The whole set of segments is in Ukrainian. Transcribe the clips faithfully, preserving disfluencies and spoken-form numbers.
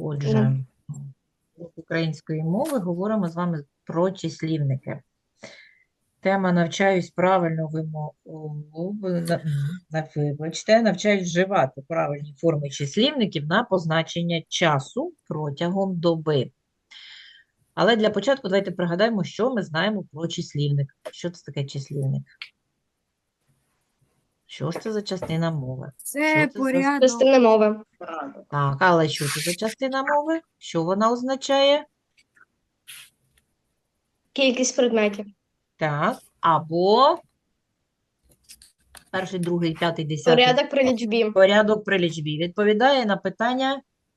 Отже, з української мови говоримо з вами про числівники. Тема «Навчаюсь правильно вимову», вибачте, навчаюсь вживати правильні форми числівників на позначення часу протягом доби. Але для початку давайте пригадаємо, що ми знаємо про числівник. Що це таке числівник? Що ж це за частина мови? Це Що це за... порядок. Частина мови. Так, але що це за частина мови? Що вона означає? Кількість предметів. Так, або перший, другий, п'ятий, десятий. Порядок при лічбі. Порядок при лічбі. Відповідає на питання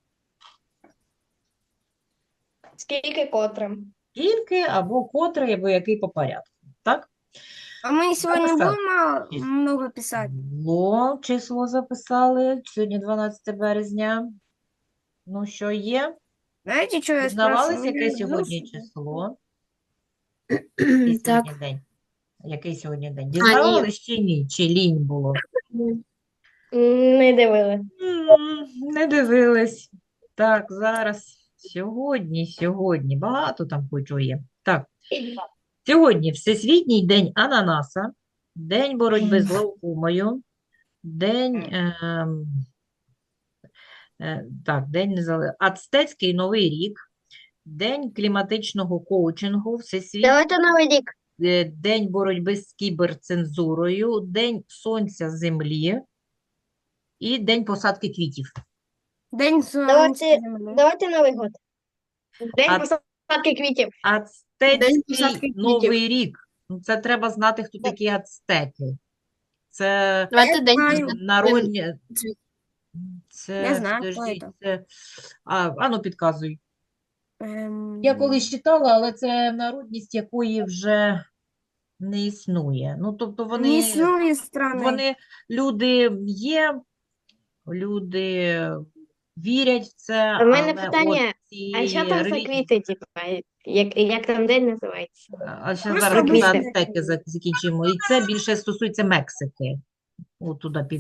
Скільки котре. скільки, або котрий, або який по порядку. Так? А мы сегодня Записал. будем Есть. много писать? Було, число записали. Сьогодні дванадцяте березня. Ну, що є? Знаете, что я Дізнавались, спрашиваю? яке Ну, сьогодні ну, число? Який Так. сьогодні день? Який сьогодні день? Дізнавались чи ні? Чи лінь було? Не дивили. М, Не дивились. Так, зараз. Сьогодні, сьогодні. Багато там хоч є. Так, сьогодні Всесвітній день ананаса, День боротьби з глаукомою, День, ем, е, так, День незалежності, Ацтецький Новий рік, День кліматичного коучингу, Всесвітній Давайте новий рік. е, День боротьби з кіберцензурою, День сонця землі і День посадки квітів. День солнца Давайте, земли. давайте Новий год. День А- посадки квітів. День Ацтецький посадки квітів. Новий рік. Ну, це треба знати, хто такі ацтеки. Це Давайте день знаю. народні... Це, Я знаю, хто подождіть, це. це... А, а ну, підказуй. Эм, Я колись читала, але це народність, якої вже не існує. Ну, тобто Не вони, існує страни. вони, люди є, люди вірять в це, А в мене але питання, от ці А що там за релігії- квіти, типа? Як, як там день називається? А ще Просто зараз ми за квіти. ацтеки зак- закінчимо. І це більше стосується Мексики. От туди під...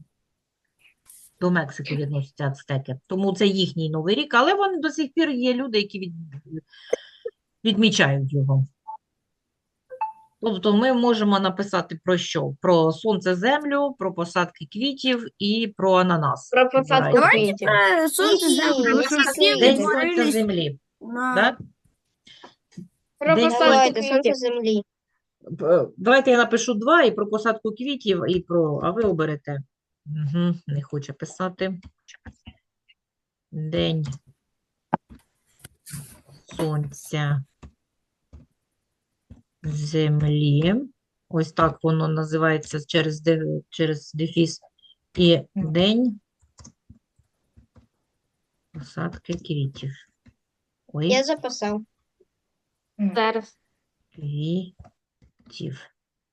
До Мексики відносяться ацтеки. Тому це їхній Новий рік, але вони до сих пір є люди, які від... відмічають його. Тобто ми можемо написати про що? Про сонце, землю, про посадки квітів і про ананас. Про посадку Вибирайте. квітів. Е, Сонце Ні, землі. ні, Ми ні, що, ні. всі День День сонця відтворились землі. на... Так? Про День посадку сонця. квітів землі. П- Давайте я напишу два і про посадку квітів, і про. А ви оберете. Угу, не хоче писати. День сонця землі. Ось так воно називається через, де- через дефіс. І день посадки квітів. Ой, Я записав. Зараз. квітів.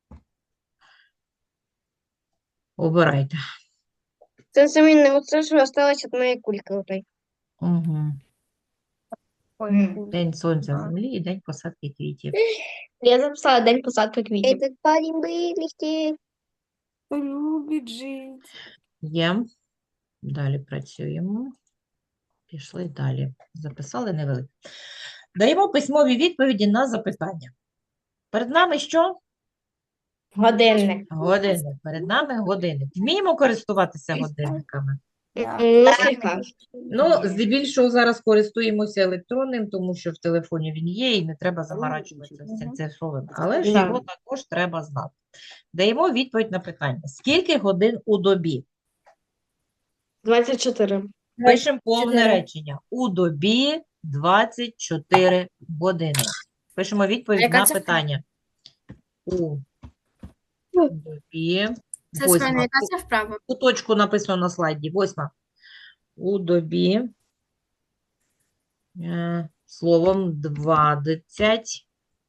Обирайте. Це замінне, оце що осталось від моєї кульки. Отой. Угу. Ой, День сонця А. землі і день посадки квітів. Я записала день посадки квітів. Этот парень вилетів. любить жить. Є. Далі працюємо. Пішли далі. Записали невелике. Даємо письмові відповіді на запитання. Перед нами що? Годинник. Годинник. Перед нами годинник. Вміємо користуватися годинниками? Ну, слегка. Ну, здебільшого зараз користуємося електронним, тому що в телефоні він є і не треба заморачуватися з цим цифровим. Але ж Да. його також треба знати. Даємо відповідь на питання. Скільки годин у добі? двадцять чотири. Пишемо повне чотири. речення. У добі двадцять чотири години. Пишемо відповідь Яка на це питання. У добі. Це Восьма. схема, яка це вправа? Куточку написано на слайді. Восьма. У добі. Е, словом двадцять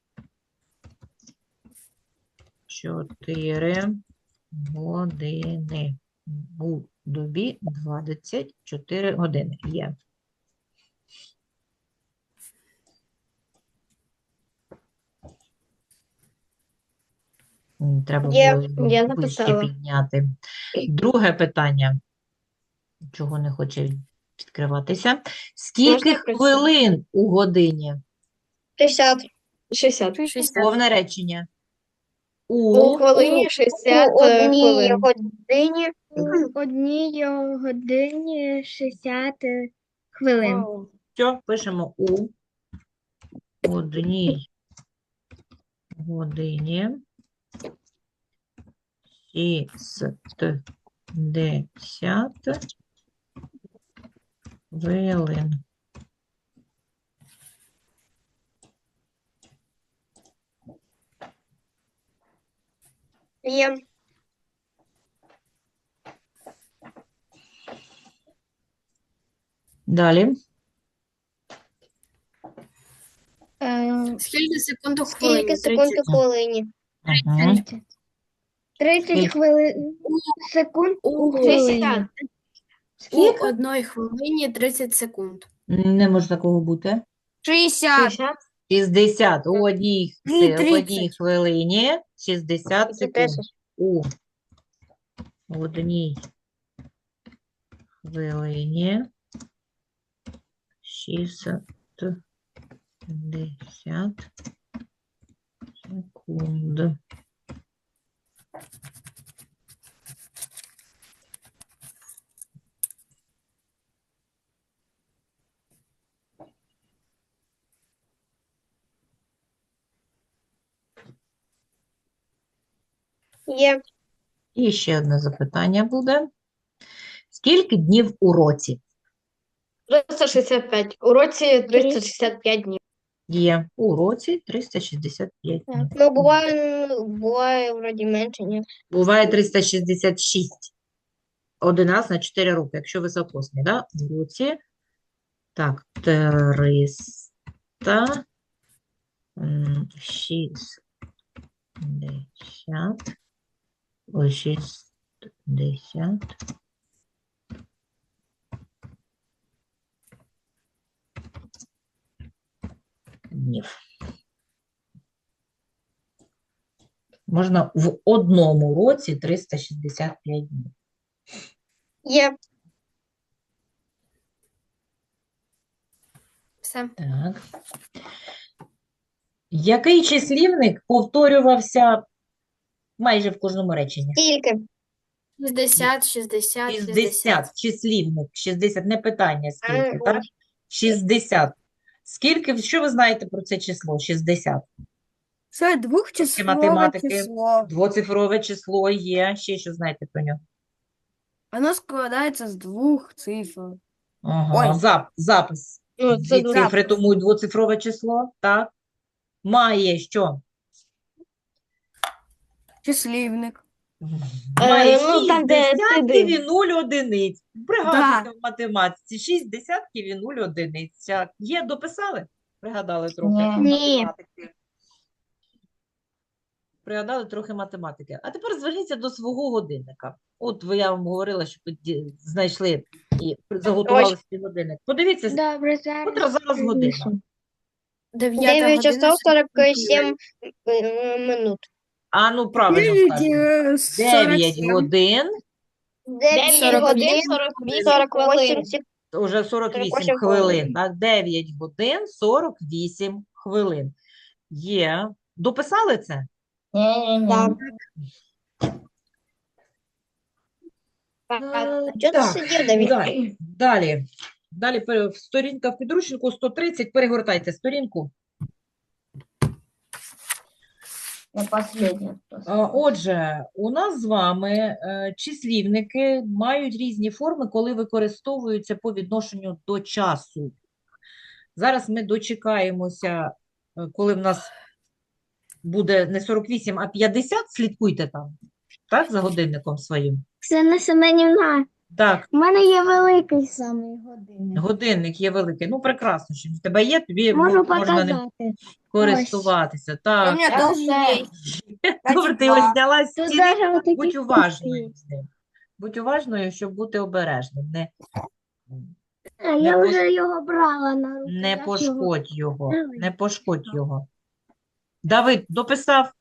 чотири години. У добі двадцять чотири години. Є. М, Треба Є, було я вище написала. підняти. Друге питання. Чого не хоче відкриватися. Скільки Можна працювати? хвилин у годині? шістдесят. шістдесят. шістдесят. Повне речення. У У хвилині шістдесят У одній хвилин. годині, у одній годині шістдесят хвилин. що пишемо у одній годині шістдесят хвилин. Є. Далі. Е, Скільки секунд у хвилині? Скільки секунд у хвилині? Ага. тридцять хвилин секунд у У хвилині. шістдесят. У одній хвилині тридцять секунд. Не може такого бути. шістдесят. шістдесят. шістдесят у одній, Ні, се- в одній тридцять. хвилині шістдесят секунд. тридцять. У одній хвилині шістдесят секунд. Є. І ще одне запитання буде. Скільки днів у році? триста шістдесят п'ять. У році триста шістдесят п'ять днів. Є у році триста шістдесят п'ять днів. Ну, буває, буває вроді менше, ні. Буває триста шістдесят шість. один раз на чотири роки, якщо високосний, да? У році. Так, триста шістдесят. Ой, шістдесят. Днів. Можна в одному році триста шістдесят п'ять днів. Є. Все. Так. Який числівник повторювався майже в кожному реченні? Скільки? шістдесят, шістдесят, шістдесят. шістдесят. Числівник. шістдесят. Не питання, скільки, А, так? ось. шістдесят. Скільки, що ви знаєте про це число? шістдесят. Це двохчислове математики. число. Двоцифрове число є. Ще що знаєте про нього? Воно складається з двох цифр. Ага, Ой. зап, запис. Ну, Дві це дуже. цифри, тому й двоцифрове число, так? Має що? Числівник. Має Е, ну, там, де шість десятків туди. і нуль одиниць. Пригадуйте в математиці. шість десятків і нуль одиниць. Так, є, дописали? Пригадали трохи Ні. математики. Пригадали трохи математики. А тепер зверніться до свого годинника. От ви, я вам говорила, що ви ді- знайшли і заготували свій годинник. Подивіться, Добре, котра зараз година. Дев'ята дев'ять година, часов сорок сорок сім е, минут. А ну, правильно скажемо. дев'ять годин, дев'ять годин сорок вісім секунд. уже сорок вісім сорок вісім хвилин, хвилин. так? дев'ять годин сорок вісім хвилин. Є. Дописали це? Так. Е, Чого ти так, сидів, Давід? Далі. Далі. Далі пере- сторінка в підручнику сто тридцять. Перегортайте сторінку. Я последня. А, Отже, у нас з вами е, числівники мають різні форми, коли використовуються по відношенню до часу. Зараз ми дочекаємося, е, коли в нас буде не сорок вісім, а п'ятдесят. Слідкуйте там, так, за годинником своїм. Оксана Семенівна, Так, у мене є великий самий годинник. годинник є великий. Ну, прекрасно, що в тебе є, тобі Можу мо- можна ним показати. користуватися. У Так, мене теж є. добре, ти ось зняла з Тут стіни. даже отакі Будь уважною з ним. Будь уважною, щоб бути обережним. Не, А, Не я пос- вже його брала на руки. не я ж його- пошкодь його. Давай. Не пошкодь його. Давид, дописав?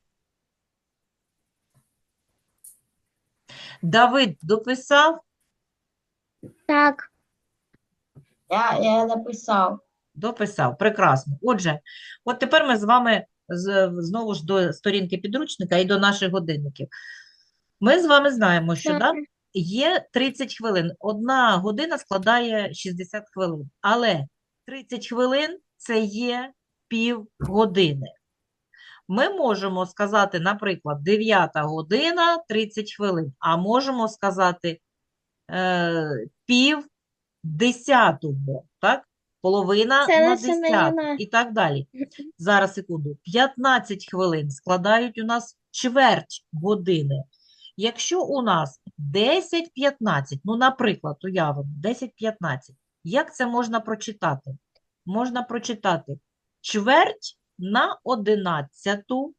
Давид, дописав? Так, Я, я написав. Дописав. Прекрасно. Отже, от тепер ми з вами з- знову ж до сторінки підручника і до наших годинників. Ми з вами знаємо, що да, є тридцять хвилин. Одна година складає шістдесят хвилин. Але тридцять хвилин – це є півгодини. Ми можемо сказати, наприклад, дев'ята година тридцять хвилин, а можемо сказати е, пів десятого, так? Половина Це на наша десяту Мар'яна. і так далі. Зараз, секунду. п'ятнадцять хвилин складають у нас чверть години. Якщо у нас десять п'ятнадцять, ну, наприклад, уявимо, десять п'ятнадцять, як це можна прочитати? Можна прочитати чверть на одинадцяту,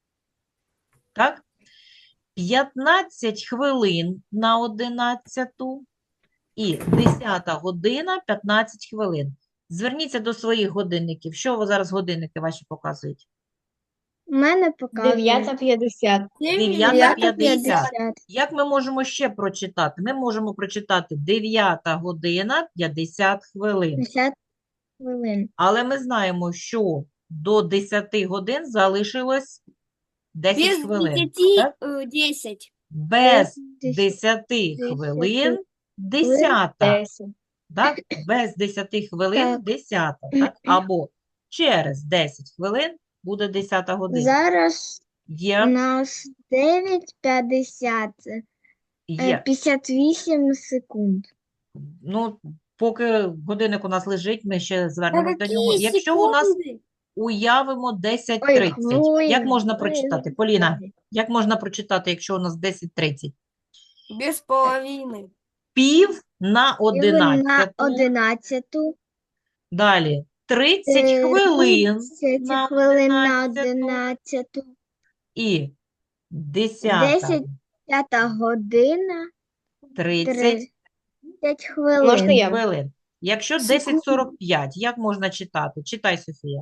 так? п'ятнадцять хвилин на одинадцяту і десята година п'ятнадцять хвилин. Зверніться до своїх годинників. Що ви зараз годинники ваші показують? У мене показує. дев'ята п'ятдесят. дев'ята п'ятдесят. п'ятдесят. Як ми можемо ще прочитати? Ми можемо прочитати дев'ята година п'ятдесят хвилин. п'ятдесят хвилин. Але ми знаємо, що до десяти годин залишилось десять Без хвилин. десяти так? э, десять. Без Без десяти десяти хвилин десята. десять. Так? Без десяти хвилин Так. десята. Так? Або через десять хвилин буде десята година. Зараз у Є, нас дев'ять п'ятдесят. е, є. п'ятдесят вісім секунд. Ну, поки годинник у нас лежить, ми ще звернемось до нього. Какие Якщо у нас секунды? уявимо десять Ой, тридцять, як хвилин, можна хвилин. прочитати? Поліна, як можна прочитати, якщо у нас десять тридцять? Без половины. Пів на На одинадцяту. одинадцяту. Далі тридцять Е, хвилин тридцять на хвилин на одинадцяту. одинадцяту. І десята Десять. П'ята година. тридцять тридцять хвилин. Можна я? хвилин. Якщо Секунду. десять сорок п'ять, як можна читати? Читай, Софія.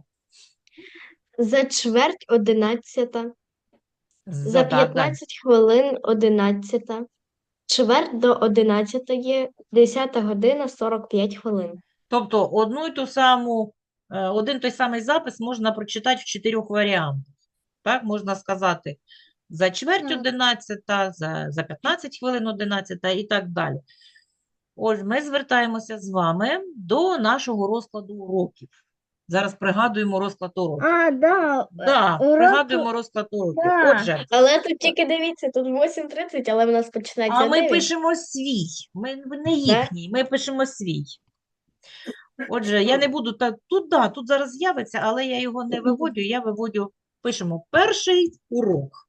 За чверть одинадцята. За, За да, далі. п'ятнадцять хвилин одинадцята. Чверть до одинадцятої. Десята година сорок п'ять хвилин. Тобто одну і ту саму, е, один той самий запис можна прочитати в чотирьох варіантах. Так, можна сказати за чверть Так. одинадцята, за, за п'ятнадцять хвилин одинадцята і так далі. Ось ми звертаємося з вами до нашого розкладу уроків. Зараз пригадуємо розклад уроків. А, да. Да, уроки- пригадуємо розклад уроків. да. Отже, Але тут тільки дивіться, тут восім тридцять, але в нас починається а ми дев'ять. пишемо свій, ми не їхній, ми пишемо свій. Отже, я не буду так, тут, да, тут зараз з'явиться, але я його не виводю, я виводю, пишемо перший урок.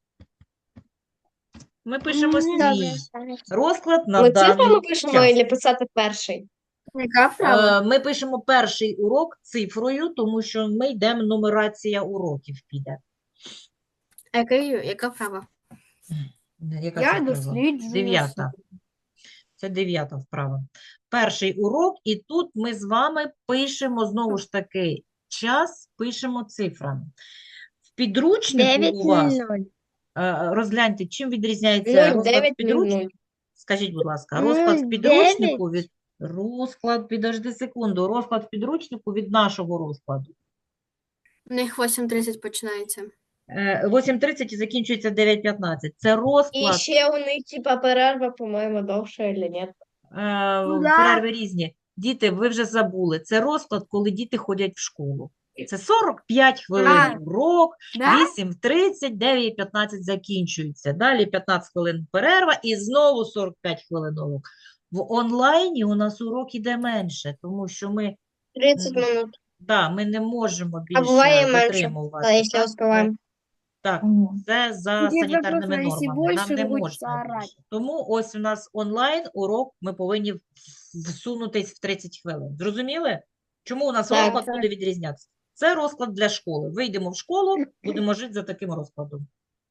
Ми пишемо свій розклад на Ми даний цифрами пишемо час. і писати перший? Яка права? Е, Ми пишемо перший урок цифрою, тому що ми йдемо, нумерація уроків піде. А яка, яка права? Яка Я це вправа? досліджую Дев'ята. Це дев'ята вправа. Перший урок, і тут ми з вами пишемо, знову ж таки, час пишемо цифрами. В підручнику дев'ять у вас, нуль. е, розгляньте, чим відрізняється нуль розклад в дев'ять нуль підручнику? нуль. Скажіть, будь ласка, нуль розклад в підручнику дев'ять. від... Розклад, підожди секунду, розклад в підручнику від нашого розкладу. У них восім тридцять починається. Е, восім тридцять і закінчується дев'ять п'ятнадцять. Це І розклад, ще у них, типа, перерва, по-моєму, довша, чи ні? е, Ну да. перерви різні. Діти, ви вже забули, це розклад, коли діти ходять в школу. Це сорок п'ять хвилин А. урок, Да? вісім тридцять, дев'ять п'ятнадцять закінчується. Далі п'ятнадцять хвилин перерва і знову сорок п'ять хвилин урок. В онлайні у нас урок іде менше, тому що ми, тридцять Мгм. минут. да, ми не можемо А більше буває менше, витримувати. але якщо Так, успіваємо. Так, Мгм. це за Тоді санітарними просто, якщо нормами. Нам більше, не то будуть можна орати. більше. Тому ось у нас онлайн урок, ми повинні в- всунутись в тридцять хвилин. Зрозуміли? Чому у нас Так, розклад так. буде відрізнятися? Це розклад для школи. Вийдемо в школу, будемо жити за таким розкладом.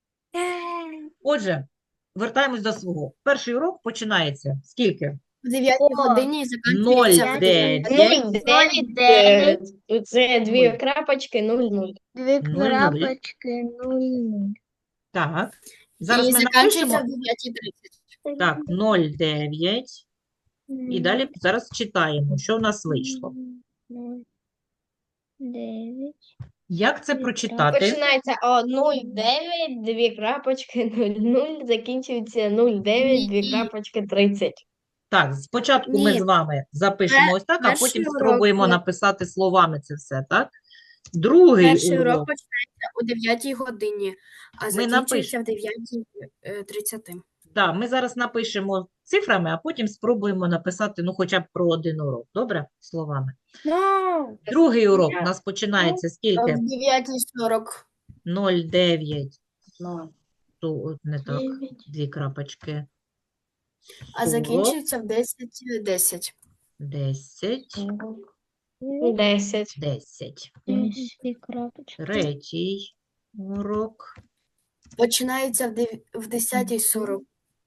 Отже, вертаємось до свого. Перший урок починається скільки? В дев'ятій О, годині і нуль закінчується. дев'ять. нуль дев'ять. дев'ять. е, Це дві Нуль. крапочки, нуль нуль. Дві Нуль-нуль. крапочки, нуль нуль. Так. Зараз І ми закінчується напишемо. в дев'ятій тридцять. Так, нуль дев'ять. І далі зараз читаємо, що в нас вийшло. Нуль, дев'ять. Як це прочитати? Починається о нуль дев'ять, дві крапочки, нуль нуль, закінчується нуль дев'ять, дві Ні. крапочки, тридцять. Так, спочатку ми Ні. з вами запишемо ось так, а перший потім урок спробуємо ми- написати словами це все, так? Другий Перший урок урок. починається о дев'ятій годині, а Ми закінчується в дев'ятій тридцять. Да, ми зараз напишемо цифрами, а потім спробуємо написати, ну, хоча б про один урок. Добре? Словами. Ну, Другий урок у нас починається скільки? В дев'ятій сорок. нуль дев'ять. Ту- Не так, дві крапочки. А сорок, закінчується в десять десять. десять, десять. десять. Дві крапочки. Третій урок. Починається в дев- в десятій сорок.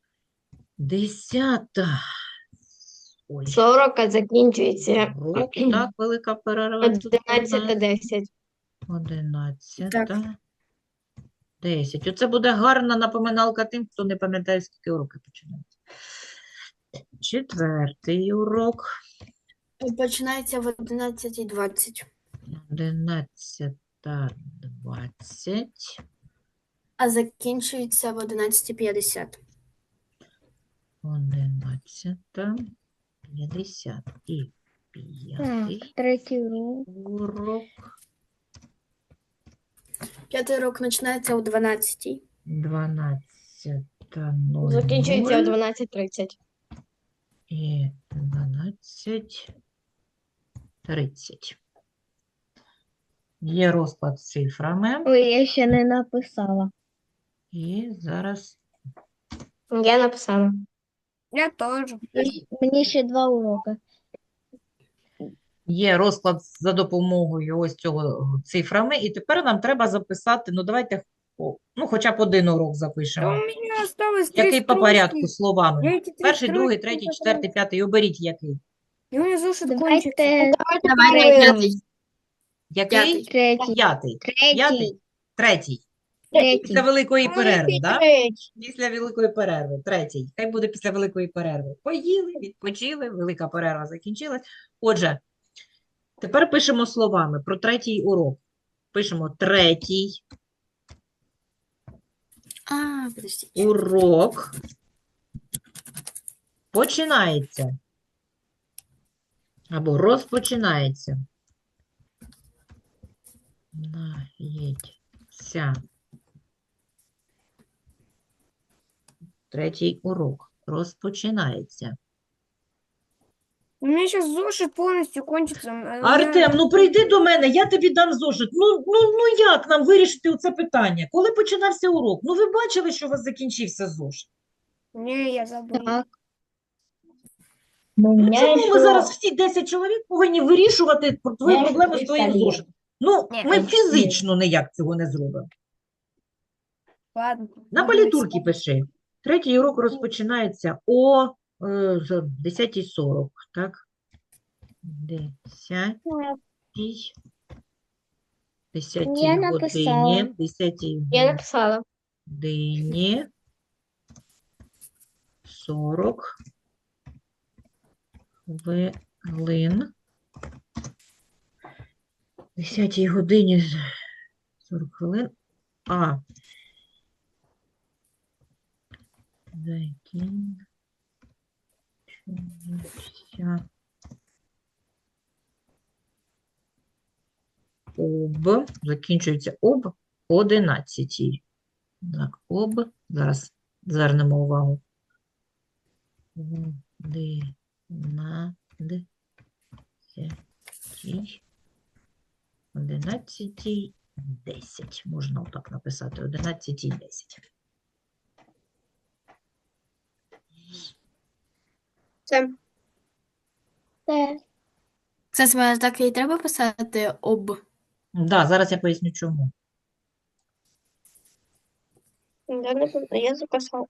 Десята. Ой, сорок, а закінчується урок, так, велика перерва. тут у одинадцять нас. десять. Одинадцята. Десять. Оце буде гарна напоминалка тим, хто не пам'ятає, скільки уроки починаються. Четвертий урок. Починається в одинадцятій двадцять. Одинадцята двадцять. А закінчується в одинадцятій п'ятдесят. Одинадцята п'ятдесят. І Так, п'ятий третій урок. урок. П'ятий урок починається о дванадцятій. Дванадцята нуль Закінчується о нуль. дванадцять тридцять. І дванадцять тридцять. Є розклад з цифрами. Ой, я ще не написала. І зараз Я написала. я теж. Мені ще два уроки. є розклад за допомогою ось цього цифрами. І тепер нам треба записати, ну давайте, о, ну хоча б один урок Да у запишемо. меня осталось три Який по строчки. порядку словами? Я эти три Перший, другий, строчки третій, потом- четвертий, п'ятий. Оберіть який. И у меня зошит кончится. Давайте Давай п'ятий. Який? П'ятий. третій. П'ятий. Третій. П'ятий? Третій. Третій. Після великої перерви, так? Третій. Після великої перерви. Третій. Хай буде після великої перерви. Поїли, відпочили, велика перерва закінчилась. Отже, тепер пишемо словами про третій урок. Пишемо третій А, подожди. урок починається. Або розпочинається. Нається. Третій урок розпочинається. У меня сейчас зошит полностью кончится. м, а у меня- Артем, ну прийди до мене, я тобі дам зошит. Ну, ну, ну як нам вирішити це питання? Коли починався урок? Ну ви бачили, що у вас закінчився зошит? Не, я забыл. Так. Ну, Ну чому ми зараз всі десять чоловік повинні вирішувати про твої Я ж проблеми з твоїм представляю. зошитом? Ну, Ні, ми ну, фізично ніяк цього не зробимо. Ладно. На буду палітурки пиши. Третій урок розпочинається о е, з- десятій сорок, так? Десятій. Десятій Я годині. написала. Десятій Я написала. годині. Сорок хвилин. Десятій годині з- сорок хвилин. А. Закінчився об. Закінчується об одинадцятій. Так, об. Зараз звернемо увагу. Одинадцятій. Одинадцятій десять. Можна отак написати. Одинадцятій десять. Це, Це це саме так і треба писати об. Да, зараз я поясню, чому. Я не я записала.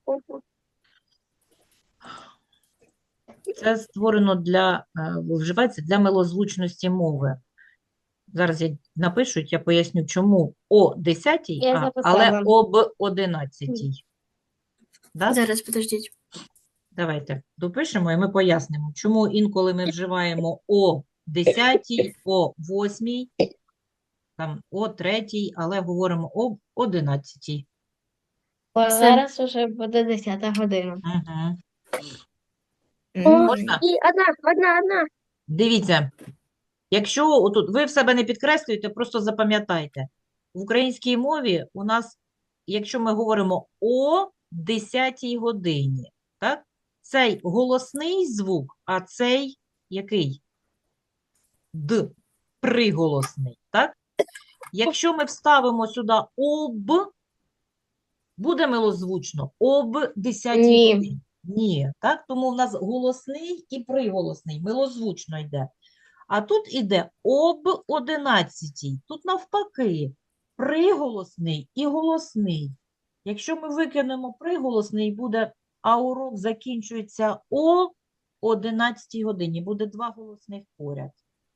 Це створено для, е, вживається для милозвучності мови. Зараз я напишу, я поясню, чому о десятій, Я а, але записала. об одинадцятій. Да? Зараз, подождіть. Давайте допишемо і ми пояснимо, чому інколи ми вживаємо о десятій, о восьмій, там о третій, але говоримо об одинадцятій. Бо Все. зараз уже буде десята година. Угу. Мгм. Можна? І одна, одна, одна. Дивіться, якщо отут ви в себе не підкреслюєте, просто запам'ятайте. В українській мові у нас, якщо ми говоримо о десятій годині, так? Цей голосний звук, а цей який? Д, приголосний, так? Якщо ми вставимо сюди об, буде милозвучно об десятій Ні. годині. Ні, так? Тому в нас голосний і приголосний, милозвучно йде. А тут іде об одинадцятій. Тут навпаки, приголосний і голосний. Якщо ми викинемо приголосний, буде, а урок закінчується о одинадцятій годині. Буде два голосних поряд.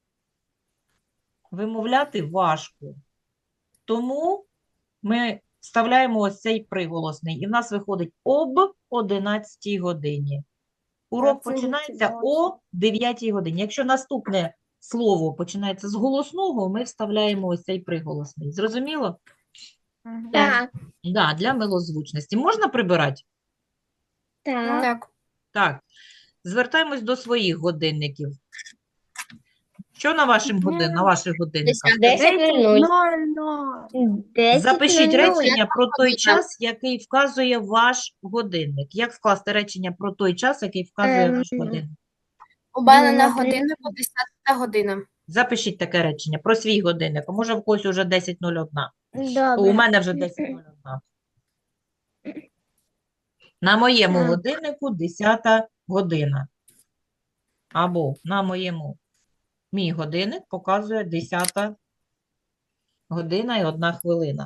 Вимовляти важко. Тому ми вставляємо ось цей приголосний. І в нас виходить об одинадцятій годині. Урок Та це починається зовсім. о дев'ятій годині. Якщо наступне слово починається з голосного, ми вставляємо ось цей приголосний. Зрозуміло? Так. Да, для милозвучності. Можна прибирати? Так. Так. Так. Звертаємось до своїх годинників. Що на, вашим годин, на ваших годинниках? десять нуль нуль. Ноль, ноль. десять Запишіть нуль нуль. речення про той година. час, який вказує ваш годинник. Як скласти речення про той час, який вказує Ем, ваш годинник? У мене на наприклад. годиннику десята година. Запишіть таке речення про свій годинник. А може в когось уже десять нуль один. То у Добре. мене вже десять нуль один. На моєму Так. годиннику десята година. Або на моєму, мій годинник показує десята година і одна хвилина.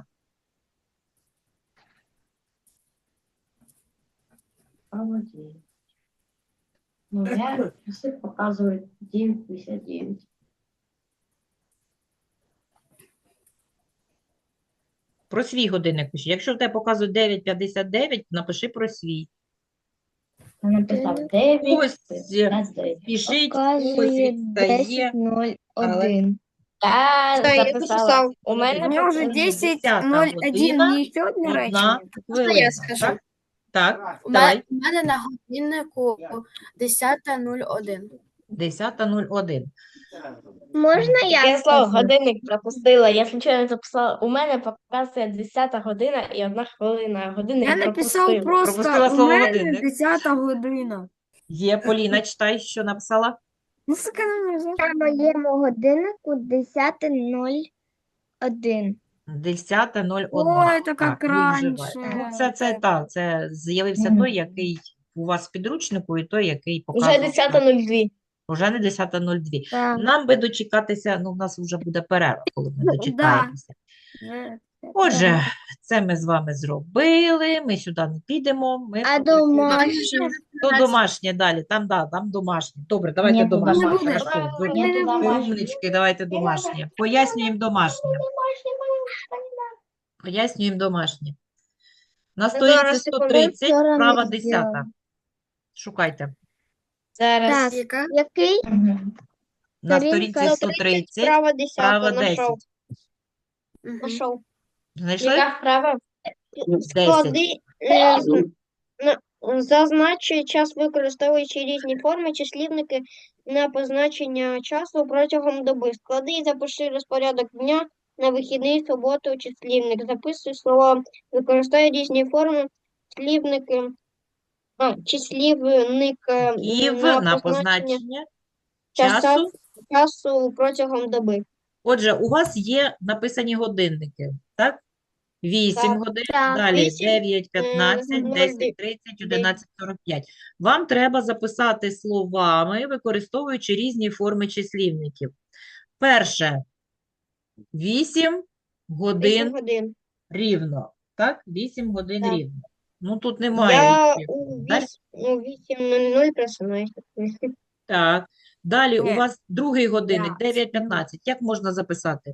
Молодець. Ну, я часи показують дев'ять п'ятдесят дев'ять. Про свій годинник пиши. Якщо в тебе показує дев'ять п'ятдесят дев'ять, напиши про свій. Я написав дев'ять Когось п'ятдесят дев'ять. спішить, когось Показує відстає. десять нуль але- один. Я Та, я записала. записав. У мене У меня уже показує десять десята ноль один. година, Мне еще одне одна речення. хвилина. я скажу. Так? Так, У давай. мене, у мене на годиннику десята нуль один. десята нуль один. Можна я Я слово скажу? годинник пропустила. Я случайно записала. У мене показує десята година і одна хвилина. Годинник Я написав пропустила. просто Пропустила у слово мене годинник. десята година. Є, Поліна, читай, що написала. Ну, сука, на мене На моєму годиннику десята нуль один. десята нуль один. Ой, то Так, як ви раніше. вживаєте. Ну, це, це, так, це з'явився Мгм. той, який у вас в підручнику, і той, який Уже показував. десята нуль два. Уже не десята нуль два. Так. Нам би дочекатися, ну, в нас вже буде перерва, коли ми Ну, дочекаємося. Вже. Отже, це ми з вами зробили, ми сюди не підемо, ми А попрацюємо. домашнє? То домашнє далі, там, да, там домашнє. Добре, давайте Ні, туди домашнє. не буде. Хорошо, ви Ні, туди ви домашнє. умнички, давайте домашнє. Пояснюємо домашнє. Пояснюємо домашнє. На сторінці Зараз, сто секунду, тридцять, вчора не права зробила. десята. Шукайте. Зараз. Так. Яка? Який? Мгм. На Сторінка сторінці сто тридцять, Права права десята. Нашов. десять. Мгм. Нашов. Знайшли? Яка вправа? десять. Склади, е, з- на- зазначує час, використовуючи різні форми, числівники на позначення часу протягом доби. Склади і запиши розпорядок дня на вихідний, суботу, числівник. Записуй слова, використовуй різні форми, числівники, а, числівник е, Ів на на позначення позначення часу, часу. часу протягом доби. Отже, у вас є написані годинники, так? вісім Так. годин, Так. далі Вісім, дев'ять п'ятнадцять, нуль, десять тридцять, одинадцять сорок п'ять. Вам треба записати словами, використовуючи різні форми числівників. Перше, вісім годин Вісім годин. рівно, так? вісім годин Так. рівно. Ну, тут немає Я різних у форм. Далі? віс- у вісім нуль нуль просинаюся. Так. Далі у Ні. вас другий годинник, Я. дев'ять п'ятнадцять. Як можна записати?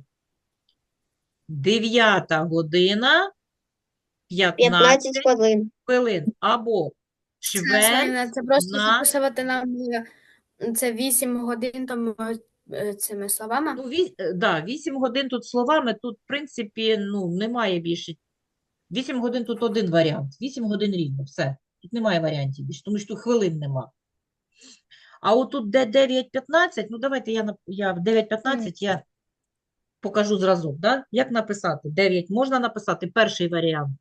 дев'ята година, п'ятнадцять п'ятнадцять хвилин. хвилин. Або чверть Це просто на записувати нам е, це вісім годин тому е, цими словами. Ну, віс... е, да, вісім годин тут словами, тут, в принципі, ну, немає більше. вісім годин тут один варіант. вісім годин рівно, все. Тут немає варіантів більше, тому що тут хвилин нема. А отут де дев'ять п'ятнадцять, ну давайте я, нап- я в дев'ять п'ятнадцять я покажу зразок, да? Як написати? дев'ять можна написати перший варіант.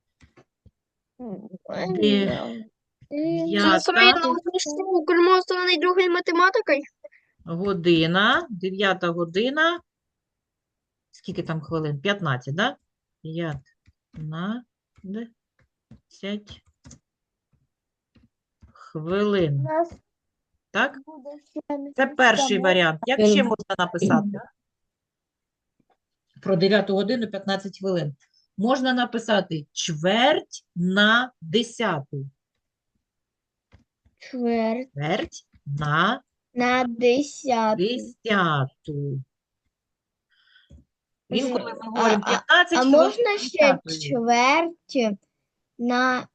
Де- Дев'ята Укрмовственний другий математикою. година, дев'ята година. Скільки там хвилин? п'ятнадцять, да? п'ятнадцять хвилин. У нас Так? буде ще Це перший місяця. варіант. Як ще можна написати? Про дев'яту годину п'ятнадцять хвилин. Можна написати чверть на десяту. Чверть Чверть на на десяту. десяту. Інколи ми А- говоримо а- п'ятнадцять А хвилин можна ще десятої. чверть на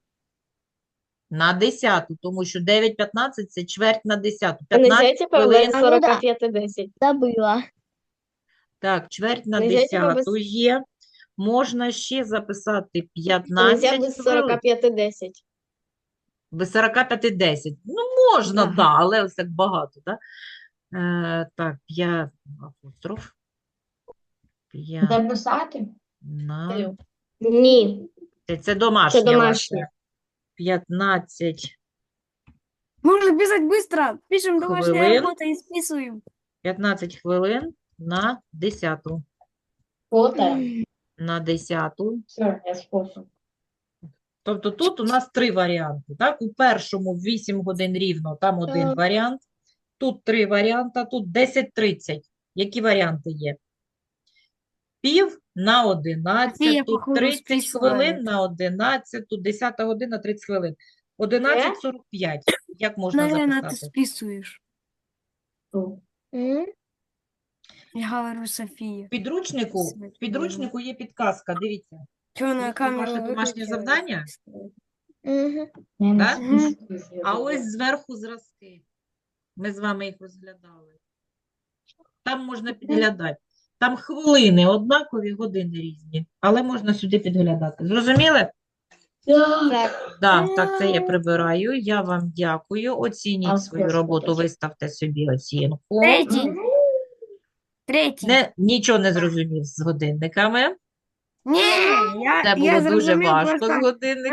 На десяту, тому що дев'ять п'ятнадцять це чверть на десяту. Нельзя п'ятнадцять типа хвилин. без А, ну да. сорока пяти десять. забила? Так, чверть на Нельзя типа без- десяту є. Можна ще записати Нельзя п'ятнадцять без хвилин. сорока пяти десять. Без сорока п'яти десять. Ну, можна, Ага. да, але ось так багато, да? Е, так, п'ять апостроф. П'ять Записати? на... Ні, Це, це домашнє це домашнє. ваше. п'ятнадцять. Можно писать быстро. Пишем домашняя Хвилин. работа и списываем. п'ятнадцять хвилин на десяту. Фото? На десяту. Все, я спосіб. Тобто тут у нас три варіанти. Так? У першому вісім годин рівно, там один Так. варіант. Тут три варіанти, тут десять тридцять. Які варіанти є? Пів на одинадцять, Софія, тут походу, тридцять списує. хвилин на одинадцять, тут десята година тридцять хвилин. одинадцять сорок п'ять. Як можна Наверное, ты записати? списываешь. М? Я говорю София. В підручнику, в підручнику є підказка, дивіться. Черная Ось камера ваше домашнє выключилась. завдання? Мгм. Я Да? не списую. А ось зверху зразки. Ми з вами їх розглядали. Там можна підглядати. Там хвилини однакові, години різні. Але можна сюди підглядати. Зрозуміли? Так. Да, так, це я прибираю. Я вам дякую. Оцініть А свою скажи, роботу, будь. виставте собі оцінку. Третий. Третий. Не, нічого не зрозумів з годинниками. Не, я, Це я було дуже зрозумів важко просто з годинниками.